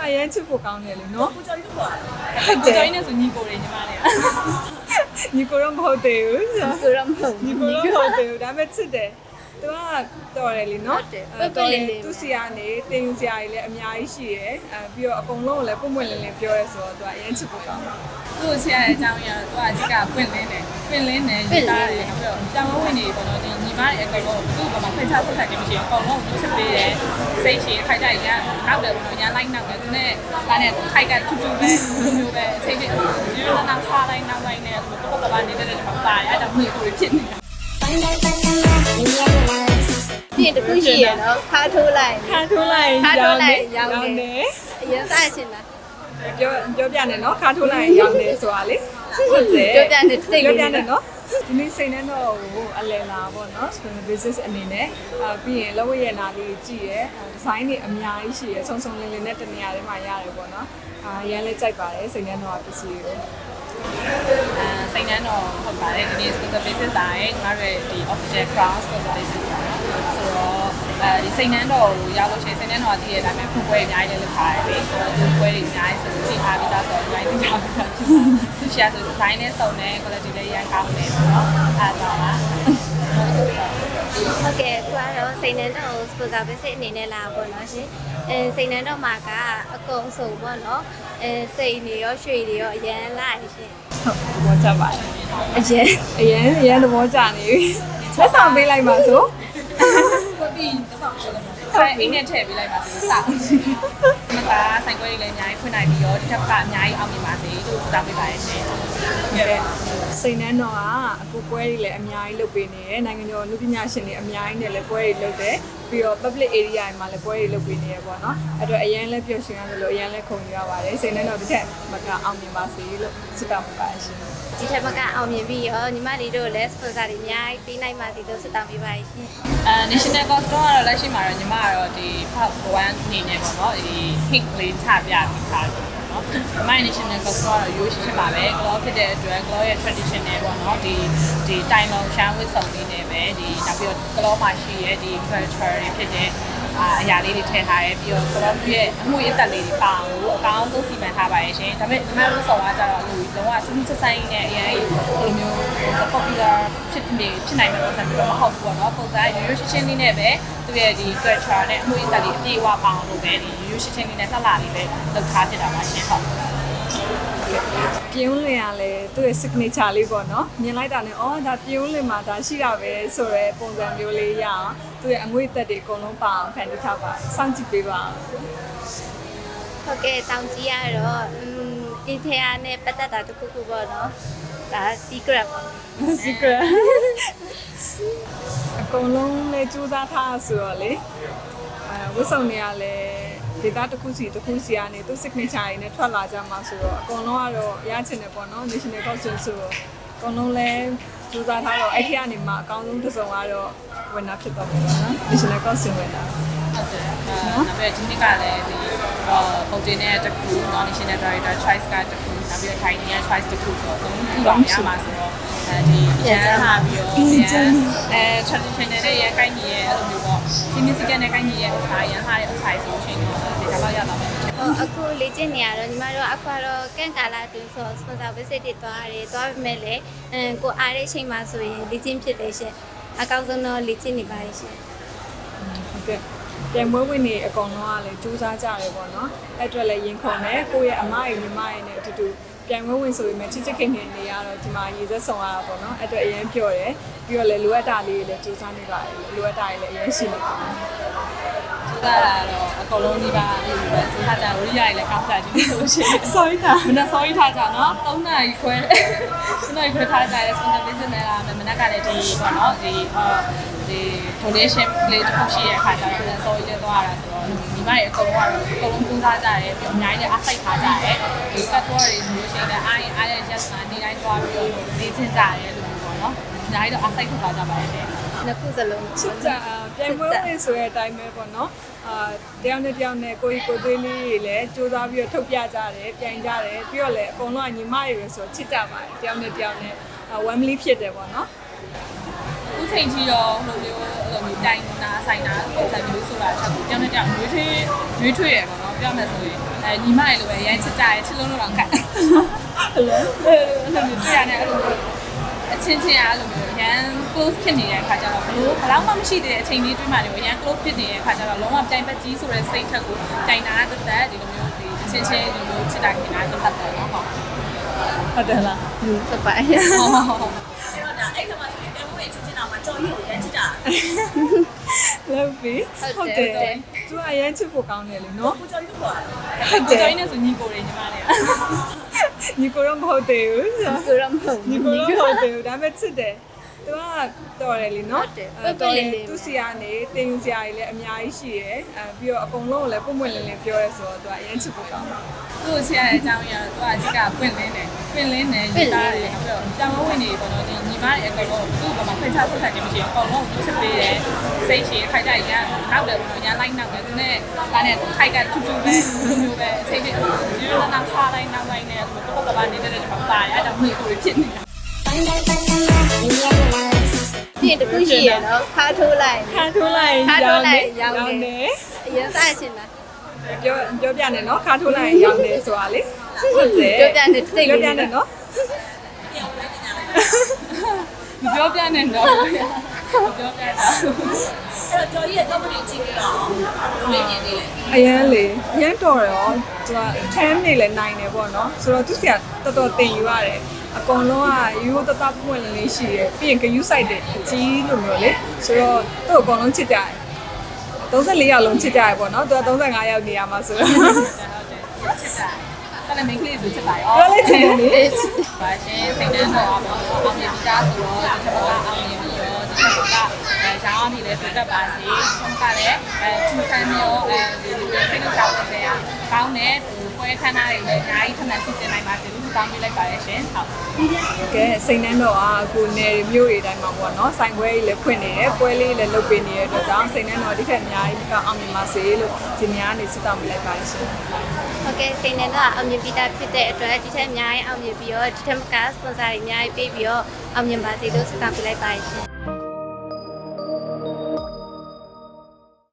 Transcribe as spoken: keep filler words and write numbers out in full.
ရင်ချစ်ဖို့ကောင်းတယ်လေနော်ကိုကျော်ကြီးတော့ပါဟုတ်တယ်ကိုကျော်ကြီးနဲ့ဆိုညီကိုတွေညီမလေးညီကိုတော့မဟုတ်သေးဘူးဆိုတော့မဟုတ်ညီကိုတော့မဟုတ်သေးဘူးဒါပေမဲ့ချစ်တယ်သူကတော်တယ်လीနော်သူစီကနေတင်ယူစရာတွေလည်းအများကြီးရှိရယ်အဲပြီးတော့အကုန်လုံးကိုလည်းပုံပွင့်လင်းလင်းပြောရဲဆိုတော့သူကအရင်ချစ်ဖို့ကောင်းတယ်သူ့ကိုချစ်ရတဲ့အကြောင်းအရာတော့သူကအဓိကပွင့်လင်းတယ်ပွင့်လင်းတယ်ရေးသားတယ်ပြီးတော့တောင်းဝင်နေပေါ့နော်ဒီညီမတွေအကုန်လုံးသူ့ဘာမှဖိတ်ချဆက်ဆက်ခြင်းမရှိဘူးအကုန်လုံးသူချစ်ပေးတယ်စိတ်ရှိခိုက်ကြရနောက်တယ်ပေါ့နော်ညာလိုက်နောက်တယ်သူနဲ့ဒါနဲ့ခိုက်ကထူးထူးပဲမျိုးပဲအချိန်ပြည့်ဒီလိုနောက်စားလိုက်နောက်လိုက်နဲ့သူတော့ဘာနေတဲ့တဲ့မှာပါရအဲ့ဒါမျိုးကိုဖြစ်နေတာပြင်တစ်ခုရှိရနော်ခါထိုးလိုက်ခါထိုးလိုက်ခါထိုးလိုက်ရောရောင်းင်းနေတယ်အရင်စားချင်တာပြောပြောပြနေနော်ခါထိုးလိုက်ရောင်းတယ်ဆိုတာလေဟုတ်တယ်ပြောပြနေတိတ်ပြောလို့ပြနေနော်ဒီနေ့စိတ်နဲ့တော့ဟိုအလယ်လာပေါ့နော် small business အနေနဲ့အာပြီးရင်လောဝရနာလေးကြည့်ရယ်ဒီဇိုင်းတွေအများကြီးရှိရယ်ဆုံဆုံလင်းလင်းနဲ့တနေရာတွေမှာရတယ်ပေါ့နော်အာရန်လေးကြိုက်ပါတယ်စိတ်နဲ့တော့ပစ္စည်းကိုအဲစိတ်နှမ်းတော့ဟုတ်ပါတယ်ဒီနေ့ sponsor basis တာရဲ့ညီမတို့ဒီ official crown sponsor basis ပါဆိုတော့အဲဒီစိတ်နှမ်းတော့ရောက်လို့ရှိရင်စိတ်နှမ်းတော့တည်ရတဲ့အတိုင်းဖွင့်ပွဲအများကြီးလည်းလုပ်ထားတယ်လေဒီပွဲတွေအများကြီးဆိုချိန်ထားပြီးသားဆိုတော့အများကြီးလုပ်ထားပြီးသားသူရှာဆို design နဲ့စုံတယ် quality လည်းရန်ကောင်းတယ်ပေါ့နော်အားကြောင့်လားဟုတ်ကဲ့သူကတော့စိတ်နှံတော့စပူတာပဲစိတ်အနေနဲ့လာပေါ့နော်ရှင်အဲစိတ်နှံတော့မှာကအကုန်စုံပေါ့နော်အဲစိတ်နေရောရွှေတွေရောအရန်လာရှင်ဟုတ်သဘောကျပါတယ်အရန်အရင်အရင်သဘောကျနေပြီလက်ဆောင်ပေးလိုက်ပါဆိုဖွင့်ပြီးတော့ဆောင်လို့လည်းအိမ်နဲ့ထည့်ပေးလိုက်ပါဆိုစအောင်မကဆိုင်ခွဲတွေလည်းအများကြီးဖွင့်နိုင်ပြီးတော့ဒီထက်ကအများကြီးအောင်မြင်ပါစေလို့တောင်းပေးပါရရှင်စိတ်နှမ်းတော့ကအကူပွဲတွေလည်းအများကြီးလုပ်ပေးနေတယ်နိုင်ငံကျော်လူပညာရှင်တွေအများကြီးနဲ့လည်းပွဲတွေလုပ်တယ်ပြီးတော့ public area တွေမှာလည်းပွဲတွေလုပ်ပေးနေရပေါ့နော်အဲ့တော့အရင်လည်းပျော်ရွှင်ရတယ်လို့အရင်လည်းခုံယူရပါတယ်စိတ်နှမ်းတော့တစ်ထက်မကအောင်မြင်ပါစေလို့ဆုတောင်းပါရှင်ဒီထက်မကအောင်မြင်ပြီးရောညီမလေးတို့လည်းစပူတာတွေအများကြီးပေးနိုင်ပါစေလို့ဆုတောင်းပေးပါရှင်အဲ national cost တော့လက်ရှိမှာတော့ညီမကတော့ဒီ part one အနေနဲ့ပေါ့နော်ဒီ hit လေးချပြပြီးထားတယ်နော်ဒီမိုင်း national cost တော့ရိုးရှင်းပါပဲ glow ဖြစ်တဲ့အတွက် glow ရဲ့ traditional ပေါ့နော်ဒီဒီတိုင်လုံးရှမ်းဝတ်စုံလေးနဲ့ပဲဒီနောက်ပြီးတော့ glow မှာရှိရဲ့ဒီ culture တွေဖြစ်တဲ့အရာလေးတွေထည့်ထားရဲပြီးတော့ glow ရဲ့အမှုအသက်လေးတွေပါအောင်အကောင်းဆုံးစီမံထားပါရဲ့ရှင်ဒါပေမဲ့ညီမတို့ဆော်ကကြတော့လူလုံးဝစူးစူးဆိုင်ဆိုင်နဲ့အရင်ဘယ်လိုမျိုး popular ဖြစ်နေဖြစ်နိုင်မှာတော့ဆက်ပြီးတော့မဟုတ်ဘူးပေါ့နော်ပုံစံရိုးရိုးရှင်းရှင်းလေးနဲ့ပဲသူရဲ့ဒီ culture နဲ့အမှုအသက်လေးအပြည့်အဝပါအောင်လုပ်ပဲဒီရိုးရိုးရှင်းရှင်းလေးနဲ့လှလှလေးပဲလုပ်ထားဖြစ်တာပါရှင်ဟုတ်ပြင်းလင်ရလဲသူ့ရဲ့ signature လေးပေါ့နော်မြင်လိုက်တာနဲ့အော်ဒါပြင်းလင်မှာဒါရှိတာပဲဆိုရဲပုံစံမျိုးလေးရအောင်သူ့ရဲ့အငွေ့သက်တွေအကုန်လုံးပါအောင်ဖန်တီးထားပါစောင့်ကြည့်ပေးပါဟုတ်ကဲ့တောင်းကြည့်ရတော့อืมဒီထဲအားနဲ့ပတ်သက်တာတစ်ခုခုပေါ့နော်ဒါ secret ပေါ့ secret အကုန်လုံးလည်းစူးစမ်းထားဆိုတော့လေအဲဝတ်စုံတွေကလည်းဒေတာတစ်ခုစီတစ်ခုစီကနေသူ signature တွေနဲ့ထွက်လာကြမှာဆိုတော့အကုန်လုံးကတော့ရချင်တယ်ပေါ့နော် national costume ဆိုတော့အကုန်လုံးလည်းစူးစမ်းထားတော့အဲ့ဒီကနေမှအကောင်းဆုံးတစ်စုံကတော့ winner ဖြစ်တော့မှာပေါ့နော် national costume winner ဟုတ်တယ်အဲနောက်ပြီးဒီနှစ်ကလည်းဒီပုံတင်တဲ့တစ်ခု national director choice ကတစ်ခုနောက်ပြီးထိုင်နေတဲ့ choice တစ်ခုဆိုတော့သုံးခုပါရမှာဆိုတော့အဲဒီရန်လာပြီးတော့အဲ traditional နဲ့ရန်ကိုင်းကြီးရဲ့အဲ့လိုမျိုးပေါ့ significant နဲ့ကိုင်းကြီးရဲ့အခါရန်ဟာရဲ့အခါဆိုရှင်တော့ဒီကတော့ရတော့မယ်ဟိုအခုလေ့ကျင့်နေရတော့ညီမတို့အခုတော့ကန့်ကာလာတွင်ဆိုစပန်ဆာဝစ်စစ်တွေသွားရတယ်သွားပေမဲ့လည်းအမ်ကိုအားတဲ့အချိန်မှာဆိုရင်လေ့ကျင့်ဖြစ်တယ်ရှင်အကောင်းဆုံးတော့လေ့ကျင့်နေပါတယ်ရှင်ဟုတ်ကဲ့ပြန်မွေးဝင်နေအကောင်လုံးကလည်းစူးစမ်းကြတယ်ပေါ့နော်အဲ့အတွက်လည်းရင်ခုန်တယ်ကိုယ့်ရဲ့အမရဲ့ညီမရဲ့နဲ့အတူတူပြန်မွေးဝင်ဆိုပေမဲ့ချစ်ချစ်ခင်ခင်နေရတော့ဒီမှာရေစက်ဆောင်ရတာပေါ့နော်အဲ့အတွက်အရင်ပြော့တယ်ပြီးတော့လည်းလိုအပ်တာလေးတွေလည်းစူးစမ်းနေပါတယ်လိုအပ်တာတွေလည်းအရင်ရှိနေပါတယ်သူကတော့အကုန်လုံးဒီပါအဲ့လိုပဲစဉ်းစားကြဝိရိယတွေလည်းကောင်းကြတယ်ဒီလိုရှိတယ် sorry တာမနေ့ sorry ထားကြနော်၃နာရီခွဲ၃နာရီခွဲထားကြရဲ sponsor business နဲ့လာမယ်မနေ့ကလည်းဒီပေါ့နော်ဒီအော်ဒီ donation လေးတစ်ခုရှိရတဲ့အခါကျတော့လည်း sorry လေးသွားရတာဆိုတော့ဒီမရဲ့အကုန်လုံးကတော့အကုန်လုံးစူးစမ်းကြရဲပြီးအများကြီးလည်းအားစိတ်ထားကြရဲဒီ factor တွေဆိုလို့ရှိရင်လည်းအားရင်အားရ yes မှာနေတိုင်းသွားပြီးတော့နေချင်းကြရဲလို့ပေါ့နော်အများကြီးတော့အားစိတ်ထားကြပါရဲ့နှစ်ခုစလုံးချစ်ကြပြန်မွေးဝင်ဆိုတဲ့အတိုင်းပဲပေါ့နော်အာတယောက်နဲ့တယောက်နဲ့ကိုကြီးကိုသွေးလေးတွေလည်းစူးစမ်းပြီးတော့ထုတ်ပြကြတယ်ပြိုင်ကြတယ်ပြီးတော့လည်းအကုန်လုံးကညီမတွေပဲဆိုချစ်ကြပါတယ်တယောက်နဲ့တယောက်နဲ့ family ဖြစ်တယ်ပေါ့နော်အခုချိန်ကြီးတော့ဟိုမျိုးအဲ့လိုမျိုးတိုင်နာဆိုင်နာပုံစံမျိုးဆိုတာချက်ကိုကြောင်းနဲ့ကြောင်းရွေးထွေးရွေးထွေးရပေါ့နော်ပြောမယ်ဆိုရင်အဲညီမတွေလိုပဲရမ်းချစ်ကြရဲချစ်လုံးလုံးတော့ခက်ဟုတ်လားအဲ့လိုမျိုးတွေ့ရတယ်အဲ့လိုမျိုးအချင်းချင်းအားလိုမျိုးရန် close ဖြစ်နေတဲ့အခါကျတော့ဘလို့ဘလောက်မှမရှိသေးတဲ့အချိန်လေးတွေ့မှလည်းရန် close ဖြစ်နေတဲ့အခါကျတော့လုံးဝပြိုင်ပတ်ကြီးဆိုတဲ့စိတ်ထက်ကိုတိုင်တာတက်တက်ဒီလိုမျိုးဒီအချင်းချင်းဒီလိုချစ်တာခင်တာတက်တက်ပေါ့နော်ဟုတ်ဟုတ်တယ်လားဟုတ်ပါဟုတ်ဟုတ်ဟုတ်အဲ့တော့ဒါအဲ့ခါမှာဆိုရင်တဲမိုးရဲ့ချစ်ချစ်တာမှာကြော်ရီကိုရမ်းချစ်တာလောက်ပြီဟုတ်တယ်သူကအရင်ချစ်ဖို့ကောင်းတယ်လေနော်ကိုကြော်ရီကိုခေါ်တာဟုတ်တယ်ကျောင်းနေဆိုညီကိုတွေညီမတွေညီကိုတော့မဟုတ်သေးဘူးဆိုတော့မဟုတ်ညီကိုတော့မဟုတ်သေးဘူးဒါပေမဲ့ချစ်တယ်သူကတော်တယ်လीနော်သူစီကနေတင်ယူစရာတွေလည်းအများကြီးရှိရယ်အဲပြီးတော့အကုန်လုံးကိုလည်းပုံမှန်လင်းလင်းပြောရဲဆိုတော့သူကအရင်ချစ်ဖို့ကောင်းတယ်သူ့ကိုချစ်ရတဲ့အကြောင်းရတော့သူကအဓိကပွင့်လင်းတယ်ပွင့်လင်းတယ်ယူတာတယ်ပြီးတော့ကျောင်းဝင်နေပေါ့နော်ဒီညီမတွေအကုန်လုံးသူ့ဘာမှခွင့်ချဆက်ဆက်ခြင်းမရှိဘူးအကုန်လုံးချစ်ပေးတယ်စိတ်ရှည်ခိုက်ကြရန်နောက်တယ်ပေါ့နော်ရန်လိုက်နောက်တယ်သူနဲ့ဒါနဲ့ခိုက်ကထူးထူးပဲလိုမျိုးပဲအချိန်ကြီးဒီလိုနောက်စားလိုက်နောက်လိုက်နဲ့သူကတော့ကဘာနေတဲ့တဲ့မှာပါရအဲ့ဒါမှီကိုဖြစ်နေတာဒီတခုရှိရနော်ခါထိုးလိုက်ခါထိုးလိုက်ခါထိုးလိုက်ရောရောင်းင်းနေတယ်အရင်စားချင်တာပြောပြောပြနေနော်ခါထိုးလိုက်ရောင်းတယ်ဆိုတာလေဟုတ်တယ်ပြောပြနေတိတ်ပြောလေးပြနေနော်မပြောပြနဲ့တော့မပြောပြတာအဲ့တော့ကြော်ရီရဲ့တော့မနေကြည့်ကြတော့ဘယ်လိုမြင်နေလဲအရန်လေအရန်တော်တယ်ရောသူကထမ်းနေလဲနိုင်တယ်ပေါ့နော်ဆိုတော့သူစီကတော်တော်တင်ယူရတယ်အကုန်လုံးကယူတတပွင့်လင်းလေးရှိတယ်ပြီးရင်ဂယူးဆိုင်တယ်အကြီးလိုမျိုးလေဆိုတော့သူ့အကုန်လုံးချစ်ကြတယ်သုံးဆယ်လေးယောက်လုံးချစ်ကြရပေါ့နော်သူကသုံးဆယ်ငါးယောက်နေရမှာဆိုတော့ဟုတ်တယ်ချစ်တာအဲ့ဒါမင်းကလေးဆိုချစ်ပါရောပြောလိုက်ချင်တယ်လေပါရှင်စိတ်နဲ့တော့အောင်အောင်မြင်ကြဆိုတော့ဒီထက်ကအောင်မြင်ပြီးရောဒီထက်ကအဲရောင်းပြီးလဲပြတ်ပါစေဆုံးကလည်းအဲထူဆန်းမျိုးအဲဒီစိတ်နဲ့ကြောက်တဲ့ရာကောင်းတဲ့ပွဲခန်းသားတွေလည်းအများကြီးထပ်မံစီစဉ်နိုင်ပါစေလို့တောင်းပေးလိုက်ပါရရှင်ဟုတ်ကဲစိတ်နှမ်းတော့အခုနယ်မျိုးတွေတိုင်းမှာပေါ့နော်ဆိုင်ပွဲကြီးလည်းဖွင့်နေတယ်ပွဲလေးလည်းလုပ်ပေးနေတဲ့အတွက်ကြောင့်စိတ်နှမ်းတော့ဒီထက်အများကြီးကအောင်မြင်ပါစေလို့ဒီများနေစစ်တောင်းပေးလိုက်ပါရှင်ဟုတ်ကဲ့စိတ်နဲ့တော့အောင်မြင်ပြီးသားဖြစ်တဲ့အတွက်ဒီထက်အများကြီးအောင်မြင်ပြီးတော့ဒီထက်မကစပွန်ဆာတွေအများကြီးပေးပြီးတော့အောင်မြင်ပါစေလို့ဆုတောင်းပေးလိုက်ပါရှင်